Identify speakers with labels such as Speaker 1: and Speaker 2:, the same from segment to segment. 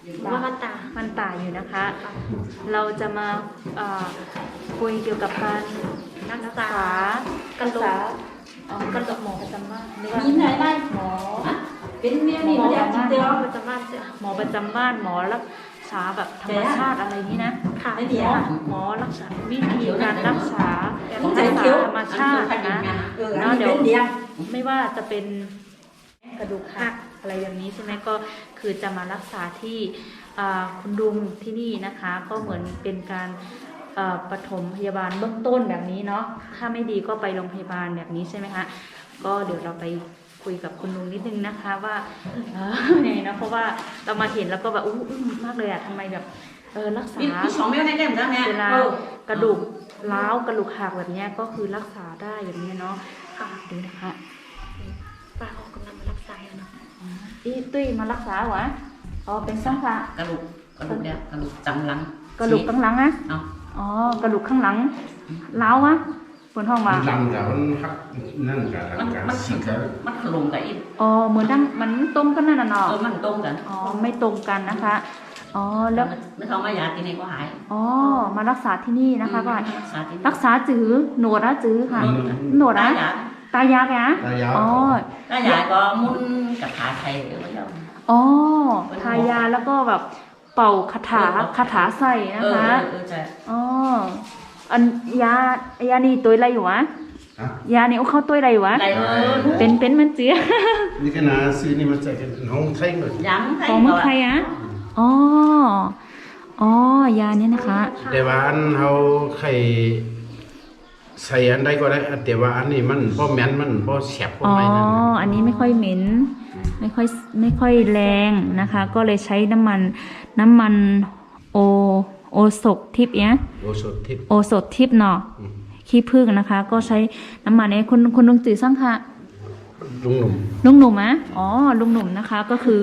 Speaker 1: ว่ามันตาอยู่นะคะ เราจะมาคุยเกี่ยวกับการรักษากระดูกกระดูกหมอประจำบ้านมีไหนบ้างหมอเป็นเมียมีหมอประจำบ้านหมอประจำบ้านหมอรักษาแบบธรรมชาติอะไรนี้นะค่ะหมอรักษาวิธีการรักษาธรรมชาตินะเนาะเดี๋ยวไม่ว่าจะเป็นกระดูกหักอะไรอย่างนี้ใช่ไหมก็คือจะมารักษาที่คุณลุงที่นี่นะคะก็เหมือนเป็นการปฐมพยาบาลเบื้องต้นแบบนี้เนาะถ้าไม่ดีก็ไปโรงพยาบาลแบบนี้ใช่ไหมคะก็เดี๋ยวเราไปคุยกับคุณลุงนิดนึงนะคะว่าไงนะเพราะว่าเรามาเห็นแล้วก็แบบอึ้งมากเลยอะทำไมแบบรักษาเวลากระดูกร้าวกระดูกหักแบบนี้ก็คือรักษาได้แบบนี้เนาะค่ะดูนะคะป้าเขากำลังมารักษาอยู่เนาะตุ้ยมารักษาวะเป็นสังขะ
Speaker 2: กระดูกเนี่ยกระดูกจังหลัง
Speaker 1: กระดูกข้างหลังอะกระดูกข้างหลังล้าวะบนห้องมา
Speaker 3: มันดังกับมันหักนั่นกับ
Speaker 2: มันฉีกมันถล่มกับอีก
Speaker 1: เหมือนดังมันตรงกันนั่นน่ะเนาะ
Speaker 2: มันตรงกัน
Speaker 1: ไม่ตรงกันนะคะแล้ว
Speaker 2: ไม่ท้องมายาที่ไหนก็หาย
Speaker 1: มารักษาที่นี่นะคะก็รักษาจือหนวดนะจือค่ะหนวดนะตายาแก
Speaker 2: ตายาก็มุนกับขาไทย
Speaker 1: ทายาแล้วก็แบบเป่าคาถาใส่นะคะอันยานี่ตัวอะไรอยู่วะยานี่เข้าตัวอะไรอยู่วะเป็นมันเจี๊ย
Speaker 3: นี่ขนาดซื้อนี่มันจะเป็นห้องไทยเลย
Speaker 1: ของเมืองไทยอ่ะยานี้นะคะ
Speaker 3: แต่ว่าอันเขาใครใส่อันใดก็ได้แต่ว่าอันนี้มันพอแม้นมันพอแสบพอไม่นั่น
Speaker 1: อันนี้ไม่ค่อยเหม็นไม่ค่อยแรงนะคะก็เลยใช้น้ำมันโอสถทิพย์เนี่ยโอสถทิพย์เนาะขี้ผึ้งนะคะก็ใช้น้ำมันนี้คุณลุงจื่อสั่งค่ะ
Speaker 3: ลุงห
Speaker 1: นุ่มอะลุงหนุ่มนะคะก็คือ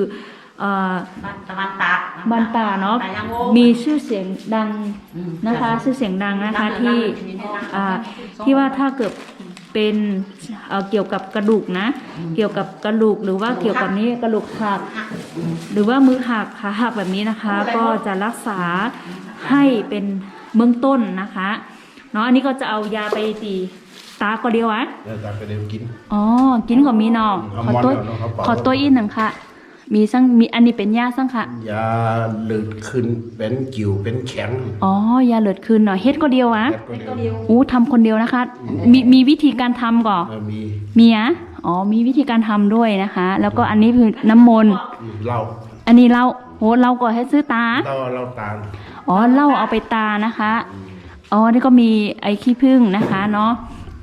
Speaker 2: บ้าน
Speaker 1: ตาเนาะมีชื่อเสียงดังนะคะชื่อเสียงดังนะคะที่ว่าถ้าเกิดเป็นเกี่ยวกับกระดูกนะเกี่ยวกับกระดูกหรือว่าเกี่ยวกับนี้กระดูกหักหรือว่ามือหักขาหักแบบนี้นะคะก็จะรักษาให้เป็นเบื้องต้นนะคะเนาะอันนี้ก็จะเอายาไปตีตาก็เดียวอะ
Speaker 3: ตาก็เดียวกิน
Speaker 1: กินก็มีเนาะขอตัวอีกหนึ่งค่ะมีอันนี้เป็นยาสั่งค่ะ
Speaker 3: ยาเลือดขึ้นเป็นกิ่วเป็นแข็ง
Speaker 1: ยาเลือดขึ้นเนาะเฮ็ดก็เดียวอะทำคนเดียวนะคะมีวิธีการทำก่อนมีอ่ะมีวิธีการทำด้วยนะคะแล้วก็อันนี้คือน้ำมนต์
Speaker 3: เหล้า
Speaker 1: อันนี้เราเราก็ให้ซื้อตา
Speaker 3: เราตา
Speaker 1: เหล้าเอาไปตานะคะนี่ก็มีไอ้ขี้ผึ้งนะคะเนาะ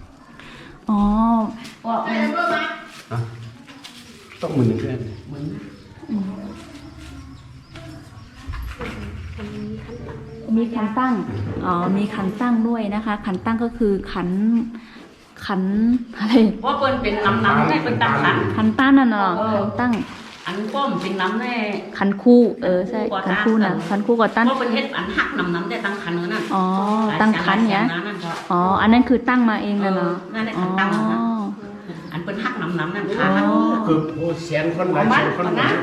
Speaker 3: ต้องมือหนึ่งแค่
Speaker 1: มีขันตั้งมีขันตั้งด้วยนะคะขันตั้งก็คือขันอะไร
Speaker 2: ว่าเป็นน้ำได้เป็นตั้ง
Speaker 1: ขันตั้งนั่นเนาะขันตั้ง
Speaker 2: อันก้มเป็นน้ำแน่
Speaker 1: ขันคู่ใช่ขันคู่นะขันคู่กับตั้ง
Speaker 2: ว่าเป็นเฮ็ดอันหักน้ำได้ตั้งขันนั่น
Speaker 1: ตั้งขันเนี่ยอันนั้นคือตั้งมาเองนะเนาะ
Speaker 2: นั่นแหละขันตั้งอันเป็นหักน้ำนั่นค่ะ
Speaker 3: คือโอ้แสนคนหลายแสนคนนะ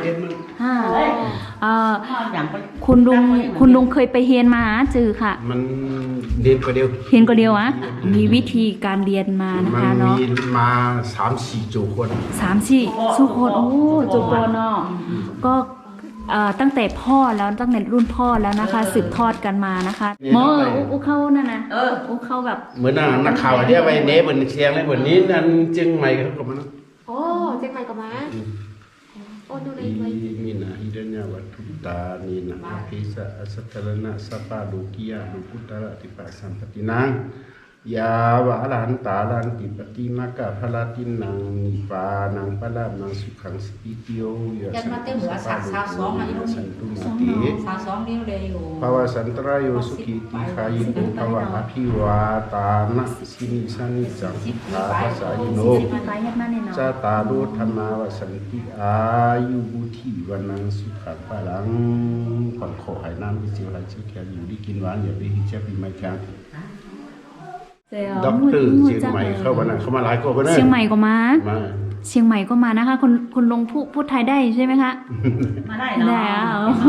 Speaker 1: คุณลุงเคยไปเรียนมาจือค่ะ
Speaker 3: มันเรียนก็เดี
Speaker 1: ยวอะมีวิธีการเรียนมานะคะเนาะ
Speaker 3: มีมา 3-4 จูคน
Speaker 1: สุคนจูคนเนาะก็ตั้งแต่พ่อแล้วตั้งแต่รุ่นพ่อแล้วนะคะสืบทอดกันมานะคะหมอเข้านั่นนะเข้าแบบ
Speaker 3: เหมือนนักข่าวที่ไปเน้บนเชียงเลยบนนี้นั่นจึงใหม่เขาก็มา
Speaker 1: เชียงใหม่ก็มาดูในไว้
Speaker 3: มีนะฮิเดญวัตถุตานีนะพิสะสัตตระนะสัพพะโลกิยาโลกุตระติปัสสัมปตินังยาวะอรหันตาลันติปติมากะพลาตินังนิปานังปะละนังสุขังสปิติโยยะสันตุมาติภาวะสันตรายโยสุขิติขายิโนภาวะอภิวาตานะสินิสานิจังภาภาษายิโนจาตารุธรรมาวสันติอายุบุธิวันนังสุขังพลังผ่อนขอให้น้ำที่เสียวไหลเชี่ยวแข็งอยู่ดีกินหวานอย่าไปหิเจ็บปีไม่แข็งด็อกเตอร์เชียงใหม่เข้ามานะเขามาหลายคน
Speaker 1: เชียงใหม่ก็มาเชียงใหม่ก็มานะคะคุณลุงพูดไทยได้ใช่ไหมคะ
Speaker 2: มาได้เนาะ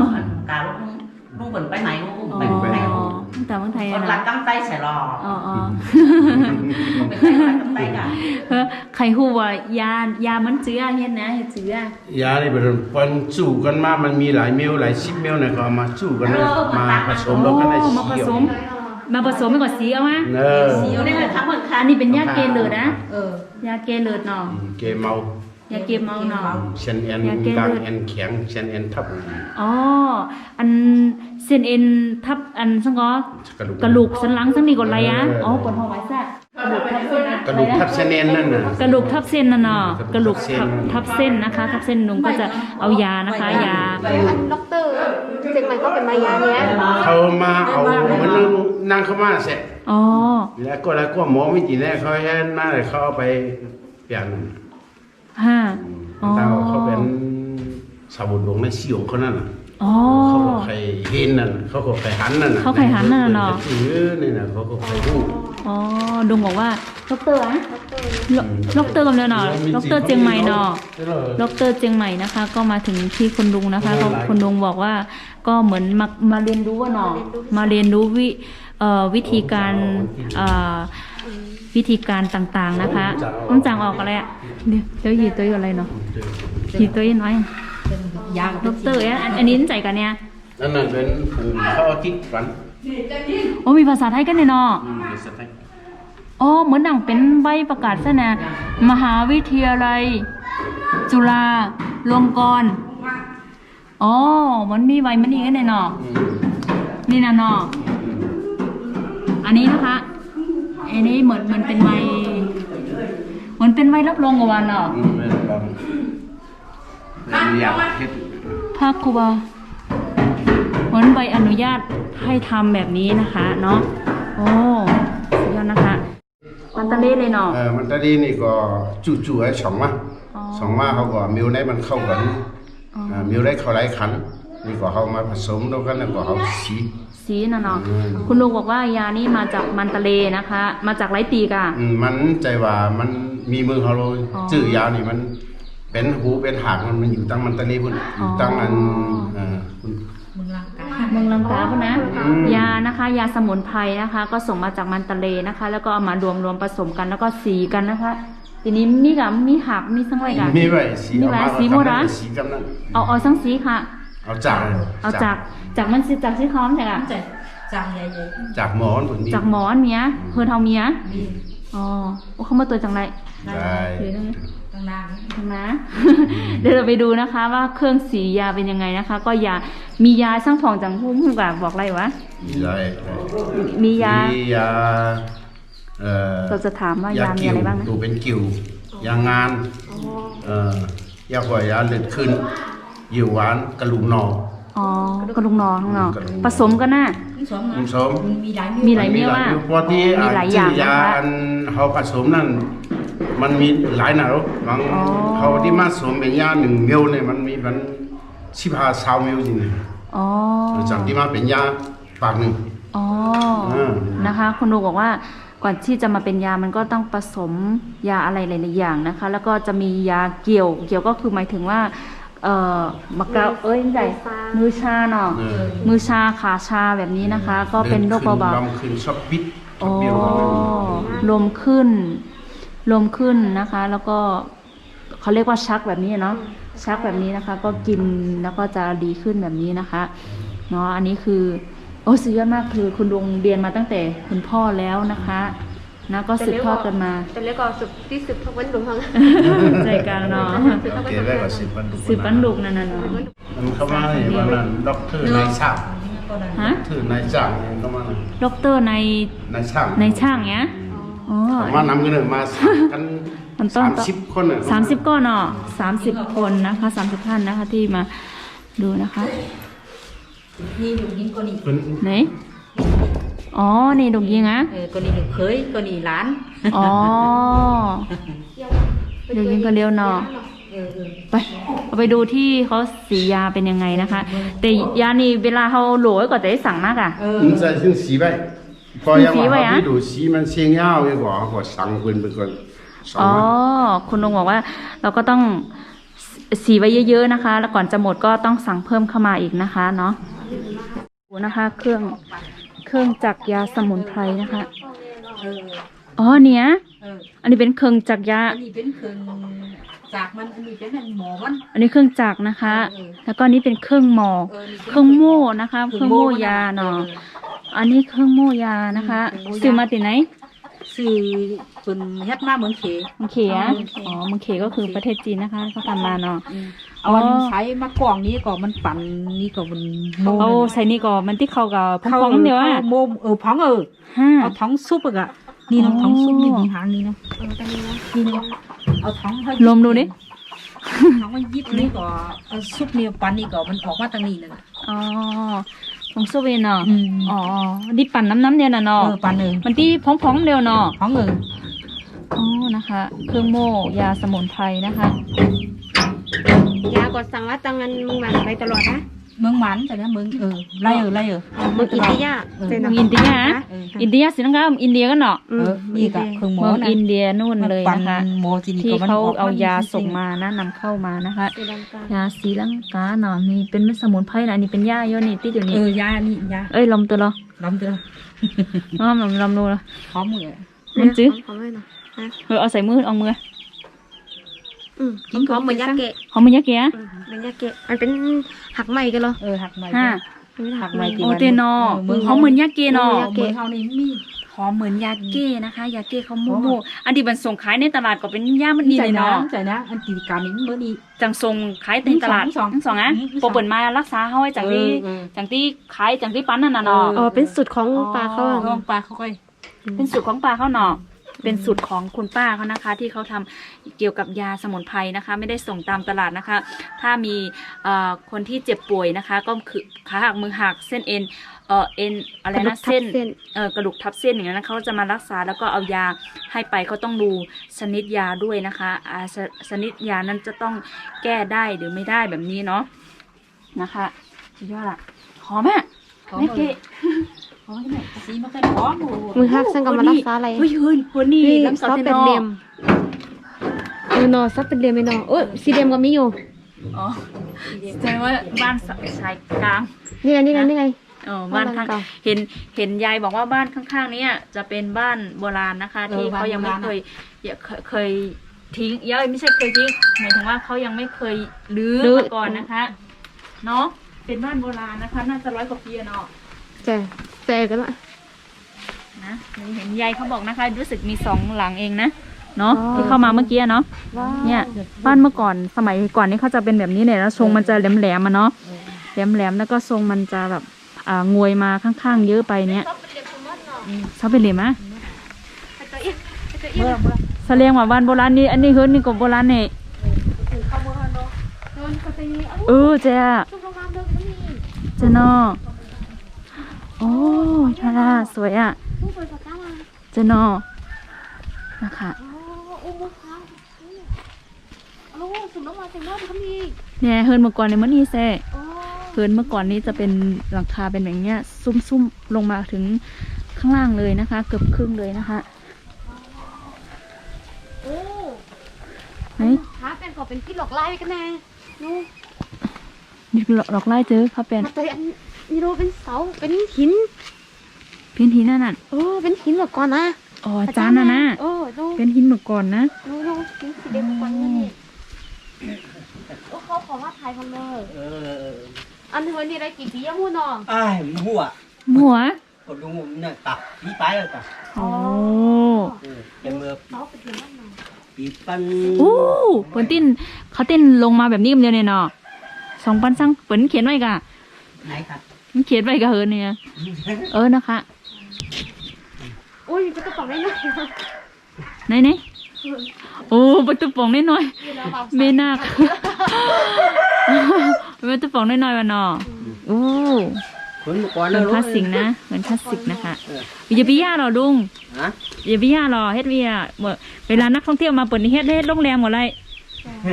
Speaker 2: กาลูกเหมือนไปไหนลูก
Speaker 1: อ๋อ
Speaker 2: ไปไหน
Speaker 1: ตั้งแต่เมืองไทย
Speaker 2: ค
Speaker 1: อะ
Speaker 2: นหลั
Speaker 1: นะ
Speaker 2: กกำไตใส่หล่อ
Speaker 1: อ๋ออ๋อ
Speaker 2: ไปใส่หลักกำไตกัน
Speaker 1: ใครฮู้ว่ายามันเจือเฮ็ดนะเฮ็ดเจือย
Speaker 3: านี่เป็นปันสู้กันมามันมีหลายเมลหลาย10เมลเนี่ยก็เอามาสู้กันนะมาผสมแล้วก็ได้
Speaker 1: อ๋อ
Speaker 3: สี
Speaker 1: มาผสมมาผสมให้ก่อนสีเอามา
Speaker 3: เออ
Speaker 2: สีเอาได้เลยครับเหมือน
Speaker 1: อันนี้เป็นยาเกลือนะ
Speaker 2: อย
Speaker 1: าเกลือเนาะ
Speaker 3: เกเมาย
Speaker 1: าเกเมาเนาะ
Speaker 3: เชนแอนกลางแอนแข็งเชนแอนทับ
Speaker 1: อ๋ออันเส้นเอ็นทับอันซังก็กระดูกสันหลังสันนี่ก่อนอะไรอ่ะอ๋อปวดหัวไว้ซะกระดูกทับเส้นนะ
Speaker 3: กระดูกทับเชนแอนนั่นน่ะ
Speaker 1: กระดูกทับเส้นน่ะเนาะกระดูกทับเส้นนะคะทับเส้นลุงก็จะเอายานะคะยา
Speaker 4: ด็อกเตอร์เชียงใหม่ก็เป็นมายาเนี้ย
Speaker 3: เขามาเอาเหมือนนั่งเข้ามาเสร็จ
Speaker 1: อ๋อ
Speaker 3: แล้วก็หมอไม่จีแน่เขาให้มาเลยเขาเอาไปเปลี่ยน
Speaker 1: ฮะอ๋อ
Speaker 3: เขาเป็นสาวดวงในสิวเขานั่นน่ะ
Speaker 1: อ๋อ
Speaker 3: เขาก็ใครเห็นนั่นเขาก็ใครหันนั่น
Speaker 1: เขาใครหันนั่นน่ะเนาะ
Speaker 3: นี่น่ะเขาก็ใครรู้
Speaker 1: อ๋อลุงบอกว่าด็อกเตอร์อะด็อกเตอร์กำเนิดเนาะด็อกเตอร์เจียงใหม่เนาะด็อกเตอร์เจียงใหม่นะคะ ก็มาถึงที่คุณลุงนะคะเขาคุณลุงบอกว่าก็เหมือนมาเรียนรู้ว่าเนาะมาเรียนรู้วิธีการวิธีการต่างๆนะคะต้องจางออกอะไรอ่ะเดี๋ยวหีตัวอะไรเนาะหีตัวน้อย
Speaker 2: ยา
Speaker 1: ด็อกเตอร์อันนี้ใจกันเนี่ย
Speaker 3: นั่นน่ะเป็นผู้เขาทิศฝัน
Speaker 1: โอ้มีภาษาไทยกันเนี่ยเนาะ
Speaker 3: เป็นสไตล์
Speaker 1: อ๋อเหมือนดังเป็นใบประกาศซะนะมหาวิทยาลัย จุฬาลงกรณ์อ๋อมันมีใบมันนี่กันเนี่ยเนาะนี่นะเนาะอันนี้นะคะอันนี้เหมือนเป็นใบเหมือนเป็นใบรับรองกับวันเนาะ
Speaker 3: ไม่ได้ลองเป็นอยากเฮ็ด
Speaker 1: ภาคครูบาเหมือนใบอนุญาตให้ทำแบบนี้นะคะเนาะโอ้สุดยอดนะคะมันตะเล่เลยเนาะ
Speaker 3: มันตอนนี้นี่ก็จู่ๆไอ้สองมา
Speaker 1: อ๋อ
Speaker 3: สองมาเขาก็มิวได้มันเข้ากันมิวได้เขาหลายขันนี่ก็เขามาผสมแล้วกันแล้วก็เขาสี
Speaker 1: สีน่ะเนาะคุณลุงบอกว่ายานี่มาจากมันตะเลนะคะ มาจากไรตีกะ
Speaker 3: มันใจว่ามันมีมือเขาเลย
Speaker 1: อ๋อ
Speaker 3: จื่อยาวนี่มันเป็นหูเป็นหางมันอยู่ตั้งมันตะลีพุ่นอยู่ตั้งอันคุณ
Speaker 2: มึงร่างกาย
Speaker 1: เมืองลังกาพุ่นนะยานะคะ ยาสมุนไพรนะคะ ก็ส่งมาจากมันตะเลนะคะ แล้วก็เอามารวมผสมกันแล้วก็สีกันนะคะ ทีนี้มีกับมีหักมีสังไรกัน
Speaker 3: มีไว้สี
Speaker 1: มี
Speaker 3: เอา
Speaker 1: ไว้
Speaker 3: มา
Speaker 1: สีโมระ
Speaker 3: สีกำนั้น
Speaker 1: เอาสังสีค่ะ
Speaker 3: เอาจาก
Speaker 1: เอาจากมันสีจากสีคอมจากอะ
Speaker 2: จางใหญ่
Speaker 3: จากหมอนพุ่นมี
Speaker 1: จากหมอนเมียเพื่อเท่าเมียอ๋อโอ้เขามาตัวจังไร
Speaker 3: ได้
Speaker 1: เดี๋ยวนะ
Speaker 2: ๆต่าง
Speaker 1: นะ เดี๋ยวเราไปดูนะคะว่าเครื่องสียาเป็นยังไงนะคะ ก็ยามียาช่างผ่องจังพุ่มกับบอกอะไรวะ
Speaker 3: ได้
Speaker 1: มียา
Speaker 3: มียา
Speaker 1: เราจะถามว่ายามีอะไรบ้างนะ
Speaker 3: ตัวเป็นกิ่ว ยางานยาหัวยาเลือดขึ้นยิวหวานกระลุงหนอ
Speaker 1: อ๋อกระลุงนอข้างนอก
Speaker 3: กระลุงนอ
Speaker 1: ผสมกันน่ะ
Speaker 2: ๆสม
Speaker 3: ผสม
Speaker 2: มีหลาย
Speaker 1: มีหลายเมียว่า
Speaker 3: พอที่
Speaker 1: มีหลายอย่าง
Speaker 3: ยา
Speaker 1: นะคะ
Speaker 3: อันเขาผสมนั่นมันมีหลายหนาบาง
Speaker 1: อ๋อ
Speaker 3: เขาที่มาผสมเป็นยา1 เมลเนี่ยมันมีมัน15-20 เมลจริง
Speaker 1: อ๋อ
Speaker 3: ๆจากที่มาเป็นยาปากหนึ่ง
Speaker 1: อ๋อ
Speaker 3: อ่า
Speaker 1: นะคะคุณลุงบอกว่าก่อนที่จะมาเป็นยามันก็ต้องผสมยาอะไรหลายๆอย่างนะคะ แล้วก็จะมียาเกี่ยวก็คือหมายถึงว่ามะกราใส่มือชาเนาะ มือชาขาชาแบบนี้นะคะ ก็เป็นโรคเบา
Speaker 3: ลำขึ้นชอบปิดช
Speaker 1: ๆ
Speaker 3: อ
Speaker 1: อ๋
Speaker 3: บ
Speaker 1: อ
Speaker 3: เบี้ยวประมาณนี้
Speaker 1: ลมขึ้นนะคะ แล้วก็เขาเรียกว่าชักแบบนี้เนาะชักแบบนี้นะคะ ก็กินแล้วก็จะดีขึ้นแบบนี้นะคะเนาะอันนี้คือโอ้สุดยอดมากคือคุณลุงเรียนมาตั้งแต่คุณพ่อแล้วนะคะนะก็สืบทอดกันมา
Speaker 4: แต่แล้วก็สืบทอดวันหลวงทั้ง
Speaker 1: ใจกันเนาะ
Speaker 3: โอเคได้ก็10 วันดุ
Speaker 1: สืบปันดุกนั่นน่ะเนาะ
Speaker 3: มันเข้ามาเนี่ยว่านั่นด็อกเตอร์นายช่าง
Speaker 1: ฮะ
Speaker 3: ถือนายช่างเนี่ยเข้ามาน่ะ
Speaker 1: ด็อกเตอร์ใน
Speaker 3: นายช่าง
Speaker 1: ในช่างเนี้ยอ๋อ
Speaker 3: มานำกันเลยมากัน
Speaker 1: มันต้อง
Speaker 3: 30 คนน่ะ
Speaker 1: 30ก้อนเนาะ30 คนนะคะ30ท่านนะคะที่มาดูนะคะ
Speaker 2: นี่ลูกยิงก็นี่
Speaker 3: เพิ่น
Speaker 1: ไหนอ๋อนี่ดกยิงอะ
Speaker 2: ก็นี่ลูกเคยก็นี่หลาน
Speaker 1: อ๋อดกยิงคนเดียวเนาะไปเอาไปดูที่เขาสียาเป็นยังไงนะคะ แต่ยานี่เวลาเขาโหลก็จะได้สั่งมากอ่ะ
Speaker 3: มันใส่ถึงสีไว้พอยัง
Speaker 1: สีไว้
Speaker 3: ว่า
Speaker 1: อะ
Speaker 3: พี่ดูสีมันเสียงยาวเลยกว่าก็สั่งเพิ่นไปก่อนสอง
Speaker 1: อ๋อ
Speaker 3: วัน
Speaker 1: คุณลุงบอกว่าเราก็ต้องสีไว้เยอะๆนะคะ แล้วก่อนจะหมดก็ต้องสั่งเพิ่มเข้ามาอีกนะคะเนาะดูนะคะ เครื่องจักรยาสมุนไพรนะคะ
Speaker 2: เออ
Speaker 1: อ๋อเนี่ย
Speaker 2: เออ
Speaker 1: อันนี้เป็นเครื่องจักรยา
Speaker 2: อันนี้เป็นเครื่องจากมันอันนี้เป็นอันหมอมัน
Speaker 1: อันนี้เครื่องจักรนะคะ แล้วก็อันนี้เป็นเครื่องหมอ
Speaker 2: เออนี่
Speaker 1: เครื่องโม่นะคะ เครื่องโม่ยาเนาะ อันนี้เครื่องโม่ยานะคะซื้อมาติไหน
Speaker 2: สื่อเป็นเฮ็ดมาเหมือนเข
Speaker 1: เมืองเขอะอ๋อเมืองเขก็คือประเทศจีนนะคะเขาทำมาเนาะ
Speaker 2: เอาอันใช้มากล่องนี้ก็มันปั่นนี่ก็มันโม
Speaker 1: เอาใส่นี่ก่อนมันที่เขากับพองๆเดียวอ่ะ
Speaker 2: โมพอง
Speaker 1: ห้า
Speaker 2: เอาท้องซุปอ่ะนี่เนาะท้องซุปนี่มีหางนี่เนาะ
Speaker 4: ตอนนี้นะ
Speaker 2: นี่เนาะเอาท้องให้
Speaker 1: ลมดูดิ
Speaker 2: ท้องมันยิบนี่ก็เอาซุปนี่ปั่นนี่ก็มันออกมาทางนี้นั่นน่ะ
Speaker 1: อ๋อของโซเวนเนาะ
Speaker 2: อืม
Speaker 1: อ๋อดิปั่นน้ำเดียวน่ะเนาะ
Speaker 2: ปั่น
Speaker 1: มันที่พองๆเดียวเนาะ
Speaker 2: ท้อง
Speaker 1: อ๋อนะคะ เครื่องโม่ยาสมุนไพรนะคะ
Speaker 4: ยากดสั่งว่าตังงันมึงมันไปตลอดนะ
Speaker 2: เมืองหมันแต่เนี่ยเมืองไล่
Speaker 4: มึงอินเดียเจน
Speaker 1: เมืองอินเดียอะอินเดียสินะคะอินเดียกันเนาะ
Speaker 2: นี่ก็เครื่องหมอ
Speaker 1: เมือง
Speaker 2: นะ
Speaker 1: อินเดียนู่นเลย
Speaker 2: ปั่น
Speaker 1: นะคะ
Speaker 2: หมอที่นี่
Speaker 1: ที่
Speaker 2: ก็มัน
Speaker 1: เขา
Speaker 2: ออก
Speaker 1: เอายาส่งมานะนำเข้ามานะคะ
Speaker 4: ศรีลังกาย
Speaker 1: าศรีลังกาเนาะนี่เป็นเม็ดสมุนไพรนะอันนี้เป็นยาโยนี่ที่อยู่นี่
Speaker 2: ยานี่ยา
Speaker 1: เอ้ยลมตัวเหรอ
Speaker 2: ลำเดือ
Speaker 1: อ๋อลมดูเหรอ
Speaker 2: พร้อมเลย
Speaker 1: มันจื้อ
Speaker 4: พร้อมเลยเนาะ
Speaker 1: เอาใส่มือเอามือ
Speaker 4: กินพร้อมเหมือนยาเกะ
Speaker 1: หอมมันยาเกีย
Speaker 4: เป็นยาเกะมันเป็นหักใหม่กันเหรอ
Speaker 2: หักใหม่
Speaker 1: ห้า
Speaker 2: หักใหม่
Speaker 1: โอเตนอหอมเหมือนยาเกเนาะ
Speaker 2: เมืองเขานี่มี
Speaker 1: หอมเหมือนยาเก้นะคะ ยาเก้เขาโม่ๆอันที่มันส่งขายในตลาดก็เป็นยามันนี่
Speaker 2: ใจ
Speaker 1: เลย
Speaker 2: นะ
Speaker 1: เนาะ
Speaker 2: ใจนะอันตีการนี้เมื่อนี้
Speaker 1: จังส่งขายในตลาด
Speaker 2: สอง
Speaker 1: ทั้งสองอ่ะโปรเปิดมารักษาเฮาไว้จากที่ขายจากที่ปั้นนั่นน่ะเนาะ
Speaker 4: อ๋อเป็นสูตรของปลาเขา
Speaker 2: ลองปลาเขาค่อย
Speaker 1: เป็นสูตรของป้าเขาเนาะเป็นสูตรของคุณป้าเขานะคะ ที่เขาทำเกี่ยวกับยาสมุนไพรนะคะ ไม่ได้ส่งตามตลาดนะคะ ถ้ามีคนที่เจ็บป่วยนะคะ ก็คือขาหักมือหักเส้นเอ็นเอ็นอะไรนะเส้นกระดูกทับเส้นอย่างนั้นนะเขาจะมารักษาแล้วก็เอายาให้ไปเขาต้องดูชนิดยาด้วยนะคะชนิดยานั้นจะต้องแก้ได้หรือไม่ได้แบบนี้เนาะนะคะสุดยอดอะหอมอ่ะไม่เกะหอมไหม
Speaker 2: สีมันก็หอม
Speaker 4: มือหักซึ่งก็มารักษาอะไร
Speaker 1: เฮ้ยคนนี้
Speaker 4: นี่
Speaker 1: ลำ
Speaker 4: ซ
Speaker 1: ซอ
Speaker 4: อ
Speaker 1: ส
Speaker 4: ส
Speaker 1: เป็
Speaker 4: เป็น น
Speaker 1: เด
Speaker 4: เดี
Speaker 1: ม
Speaker 4: ยมเนอะซอสเป็นเดียมไม่เนอะสีเดียมก็มีอยู่
Speaker 1: แสดงว่าบ้านชายกลาง
Speaker 4: นี่ไงนี่ไงนี่ไง
Speaker 1: บ้านข้าง
Speaker 4: บ้านเก่า
Speaker 1: เห็นยายบอกว่าบ้านข้างๆเนี้จะเป็นบ้านโบราณนะคะ ที่เขายังไม่เคยทิ้งไม่ใช่เคยทิ้งหมายถึงว่าเขายังไม่เคยรื้อมาก่อนนะคะเนาะเป็นบ้านโบราณนะคะ น่าจะ100 กว่าปีเนาะ
Speaker 4: แต่กันละ
Speaker 1: นะเห็นยายเขาบอกนะคะ รู้สึกมี2 หลังเองนะเนาะที่เข้ามาเมื่อกี้เนาะเนี่ยบ้านเมื่อก่อนสมัยก่อนนี่เขาจะเป็นแบบนี้เนี่ยแล้วทรงมันจะแหลมๆมาเนาะแหลมๆแล้วก็ทรงมันจะแบบงวยมาข้างๆเยอะไปเนี่ยชอบเป็นเหลี่ยมอะแสดงว่าบ้านโบราณนี่อันนี้เฮิร์นนี่ก็โบราณเนี่ยเจ้าเจ้าเนาะโอ้ยทาราสวยอ่ะเจ้าเนาะนะคะเนี่ยเฮิร์นเมื่อก่อนในมื้อนี้แซ่เฮิร์นเมื่อก่อนนี้จะเป็นหลังคาเป็นแบบเนี้ยซุ่มๆลงมาถึงข้างล่างเลยนะคะ เกือบครึ่งเลยนะคะไหน
Speaker 4: หาเป็นก็เป็นที่หลอกไล่กันแน่นู่
Speaker 1: นี่ดอกไล่เจอเขาเป็น
Speaker 4: แต่อันนี่รู้เป็นเสาเป็นหิน
Speaker 1: เป็นหินนั่นน่ะ
Speaker 4: เป็นหินแบบก่อนนะ
Speaker 1: อ๋อจานน่ะนะ
Speaker 4: ดู
Speaker 1: เป็นหินเมื่อก่อนนะ
Speaker 4: ดูหินสีแดงก่อนนี่เขาขอว่าไทยพังเลยอันเธอนี่ได้กี่ปีอะมูนอ
Speaker 5: ai mua
Speaker 1: หัว
Speaker 5: còn đúng không nè tạc đi bái rồi tạc
Speaker 1: โอ้
Speaker 5: em mưa
Speaker 4: เสาเป็นหินนั่นหน่อย
Speaker 5: đi pan
Speaker 1: โอ้เปิ้นติ้นเขาเต้นลงมาแบบนี้กันเดียวเนี่ยเนาะ2 ปันซังเปิ้นเขียนไว้กะ
Speaker 5: này thật
Speaker 1: มันเขียนไว้กะเฮิร์นเนี่ยนะคะ
Speaker 4: อุ้ยก็ต้องบอกได้หน่อย
Speaker 1: ไหนโอ้ประตูป่องน้อยๆเมนาคประตูป่องน้อยๆวะเนาะโอ้
Speaker 5: cuốn một con
Speaker 1: เหมือน
Speaker 5: nữa
Speaker 1: คลาสสิกนะเหมือนคลาสสิกนะคะอย่าไปย่าหรอลุง
Speaker 5: hả
Speaker 1: อย่าไปย่าหรอเฮ็ดเวียเวลานักท่องเที่ยวมาเปิดนี่เฮ็ดโรงแรมหมดเลย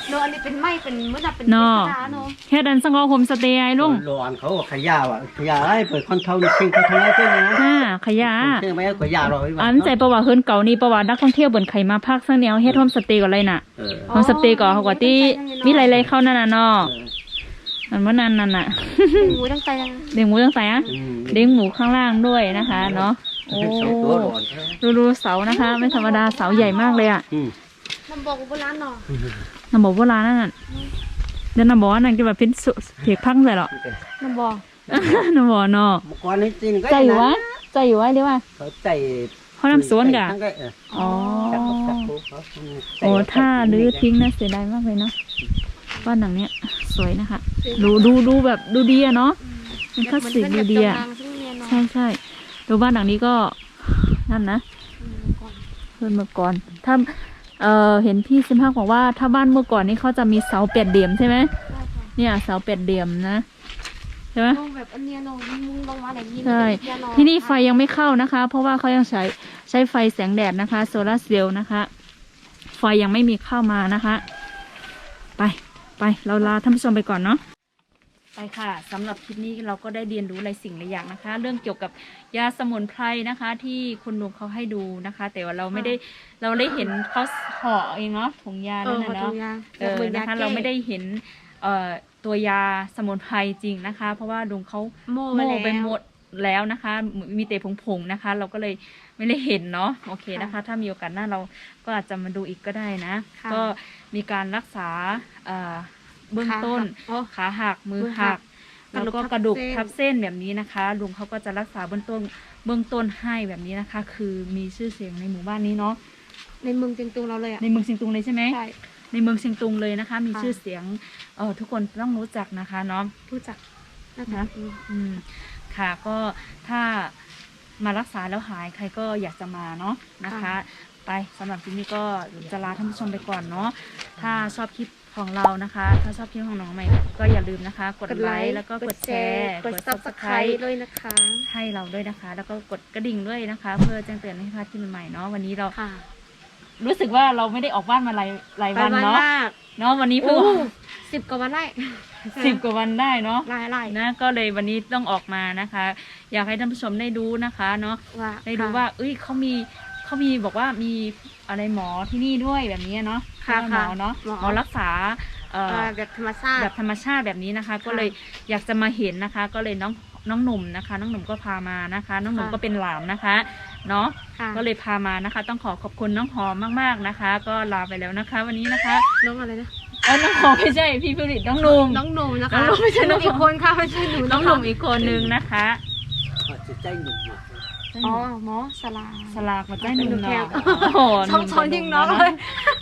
Speaker 4: โนอันนี้เป็นไม้เป็นมื้อน่ะเป็น
Speaker 1: นอ
Speaker 4: ธรรมดาเนาะ
Speaker 1: เฮ็ดอันสังกอโฮมสเตย์ไอ้ลุง
Speaker 5: ร้อนเขาขยะว่ะขยะไอ้เปิดคอนเทนต์ทิ้งเขาทำไมเพื่อนนะ
Speaker 1: ขยะ
Speaker 5: เชื่อไหมขยะเรา
Speaker 1: อันใจประวัติเฮิรนเก่านี่ประวัตินักท่องเที่ยวบนไข่มาพักซังแนวเฮ็ดโฮมสเตย์ก่อนเลยน่ะโฮมสเตย์ก่อนเขาก็ที่มีหลายๆเข้านั่นน่ะเนาะอันว่านั่นน่ะ
Speaker 4: เป็นหมูตั้งใจยัง
Speaker 1: เลี้ยงหมูตั้งแต่อะเลี้ยงหมูข้างล่างด้วยนะคะเนาะโอ้ดูเสานะคะ ไม่ธรรมดาเสาใหญ่มากเลยอ่ะ
Speaker 4: มันบอกว่าโบราณเนาะ
Speaker 1: น้ำบอกโบราณนั่นน่ะเดี๋ยวน้ำบอกว่านั่นจะแบบเป็นเพียกพังใส่หรอ
Speaker 4: มันบอก
Speaker 1: น้ำบอกเนาะ
Speaker 5: ก่อนนี้จริงก็
Speaker 1: ใจอยู่วะใจอยู่วะเดี๋ยวว่า
Speaker 5: เขาใจ
Speaker 1: เขาน้ำสวนกะอ๋อโอ้ถ้ารื้อทิ้งนะเสียดายมากเลยเนาะบ้านหลังเนี้ยสวยนะคะดูแบบดูดีอะเนาะเป็นคลาสสิกดูดีอะใช่ดูบ้านหลังนี้ก็นั่นนะเพิ่นเมื่อก่อนถ้าเห็นพี่ซิมฮักบอกว่าถ้าบ้านเมื่อก่อนนี่เขาจะมีเสา8เหลี่ยมใช่ไหมเนี่ยเสา8เหลี่ยมนะใช่ไหม
Speaker 4: แบบอันเนี้ยเนาะมุงลงมาไหนยิน
Speaker 1: ใช่ที่นี่ไฟยังไม่เข้านะคะ เพราะว่าเขายังใช้ไฟแสงแดดนะคะโซลาร์เซลล์นะคะไฟยังไม่มีเข้ามานะคะ ไปเราลาท่านผู้ชมไปก่อนเนาะไปค่ะสำหรับคลิปนี้เราก็ได้เรียนรู้หลายสิ่งหลายอย่างนะคะ เรื่องเกี่ยวกับยาสมุนไพรนะคะ ที่คุณลุงเขาให้ดูนะคะ แต่ว่าเราได้เห็นเขาห่อเองเนาะถุงยานั่นนะเนาะนะคะเราไม่ได้เห็นตัวยาสมุนไพรจริงนะคะ เพราะว่าลุงเขาโม่ไปหมดแล้วนะคะมีแต่ผงๆนะคะ เราก็เลยไม่ได้เห็นเนาะโอเคนะคะ ถ้ามีโอกาสหน้าเราก็อาจจะมาดูอีกก็ได้นะ ก็มีการรักษาเบื้องต้นขาหักมือหักแล้วก็กระดูกทับเส้นแบบนี้นะคะลุงเขาก็จะรักษาเบื้องต้นให้แบบนี้นะคะ คือมีชื่อเสียงในหมู่บ้านนี้เนาะ
Speaker 4: ในเมืองเชียงตุงเราเลยอ่ะ
Speaker 1: ในเมืองเชียงตุงเลยใช่ไหม
Speaker 4: ใช่
Speaker 1: ในเมืองเชียงตุงเลยนะคะ มีชื่อเสียงทุกคนต้องรู้จักนะคะเนาะ
Speaker 4: รู้จักนะคะ
Speaker 1: ค่ะก็ถ้ามารักษาแล้วหายใครก็อยากจะมาเนาะนะคะ ไปสำหรับคลิปนี้ก็จะลาท่านผู้ชมไปก่อนเนาะถ้าชอบคลิปของเรานะคะ ถ้าชอบคลิปของน้องใหม่ก็อย่าลืมนะคะ กดไลค์แล้วก็กดแชร์
Speaker 4: กด Subscribe ด้วยนะคะ
Speaker 1: ให้เราด้วยนะคะ แล้วก็กดกระดิ่งด้วยนะคะ เพื่อแจ้งเตือนให้พลาดคลิปใหม่ๆเนาะวันนี้เรารู้สึกว่าเราไม่ได้ออกบ้านมาหลายวันเนาะวันนี้เพิ่ง
Speaker 4: 10 กว่าวันได้
Speaker 1: 10 กว่าวันได้เนาะ
Speaker 4: ไล่
Speaker 1: นะก็เลยวันนี้ต้องออกมานะคะ อยากให้ท่านผู้ชมได้ดูนะคะเนาะได้ดูว่าเขามีบอกว่ามีอะไรหมอที่นี่ด้วยแบบนี้เนาะหมอเนาะหมอรักษา
Speaker 4: แบบธรรมชาติ
Speaker 1: แบบนี้นะคะ ก็เลยอยากจะมาเห็นนะคะ ก็เลยน้องหนุ่มนะคะน้องหนุ่มก็พามานะคะ น้องหนุ่มก็เป็นหลานนะคะเนาะก็เลยพามานะคะ ต้องขอบคุณน้องหอมมากๆนะคะ ก็ลาไปแล้วนะคะ วันนี้นะคะ
Speaker 4: น้องอะไรนะ
Speaker 1: น้องหอมไม่ใช่พี่ผลิตน้องหนุ่ม
Speaker 4: นะคะน้องไม่ใช่น้องอีกคนค่ะไม่ใช่หนู
Speaker 1: น้องหนุ่มอีกคนนึงนะคะ
Speaker 5: ใจหนุ่ม
Speaker 4: หมอส
Speaker 1: ลากมาใจหนุ่มเนาะ
Speaker 4: ช่องยิงน้องเลย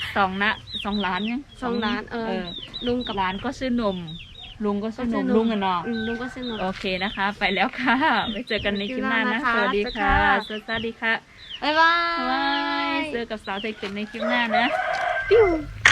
Speaker 1: 2 ล้านเนี่ย
Speaker 4: 2 ล้าน
Speaker 1: ลุงกับหลานก็ชื่อหนุ่มลุงก็ชื่อหนุ่มลุงอะเนาะ
Speaker 4: ลุงก็ชื่อหนุ่ม
Speaker 1: โอเคนะคะ ไปแล้วค่ะไปเจอกันในคลิปหน้านะสวัสดีค่ะสวัสดีค่ะ
Speaker 4: บ๊ายบาย
Speaker 1: เจอกับสาวไทยเกิดในคลิปหน้านะ
Speaker 4: ปิ้ว